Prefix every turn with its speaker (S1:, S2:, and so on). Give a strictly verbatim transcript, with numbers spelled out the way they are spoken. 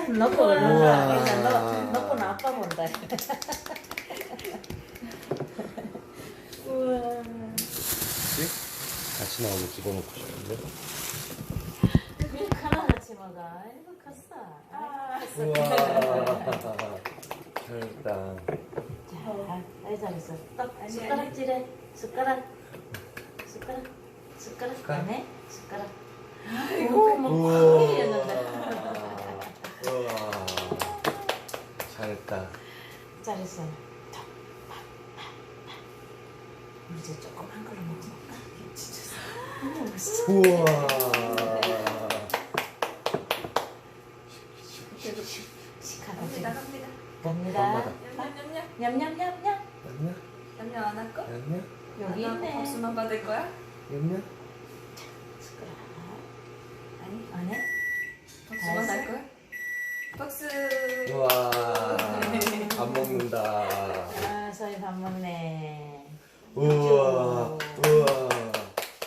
S1: 넣고
S2: 우와.
S1: 넣어. 일단 넣어. 넣고는 아빠 본다. 우와.
S2: 그치? 같이 나오면 집어넣고 싶은데.
S1: 밀크 하나 같이 먹어. 아이고 컸어.
S3: 아.
S2: 우와. 잘했다.
S1: 자, 아이 잘했어. 또 숟가락질해. 숟가락. 숟가락. 숟가락.
S2: 숟가락.
S1: 안 해? 숟가락. 아이고 뭐 크게 일어난다.
S2: 우와. 잘했다.
S1: 잘했어. 자, 파, 파, 파. 우리 이제 조그만 걸로 먹어볼까? 진짜. 너무 맛있어.
S2: 우와.
S1: 시카가
S3: 갑니다,
S1: 지금
S3: 갑니다.
S1: 갑니다.
S3: 냠냠냠냠.
S1: 냠냠냠냠.
S2: 냠냠?
S3: 냠냠 안 할 거?
S2: 냠냠?
S1: 여기
S3: 안 하고
S1: 있네.
S3: 박수만 받을 거야?
S2: 냠냠?
S1: 숟가락.
S3: 아니,
S1: 안 해?
S3: 박수만 할 거야? 박수.
S2: 우와. 밥 먹는다.
S1: 아, 서희 밥 먹네.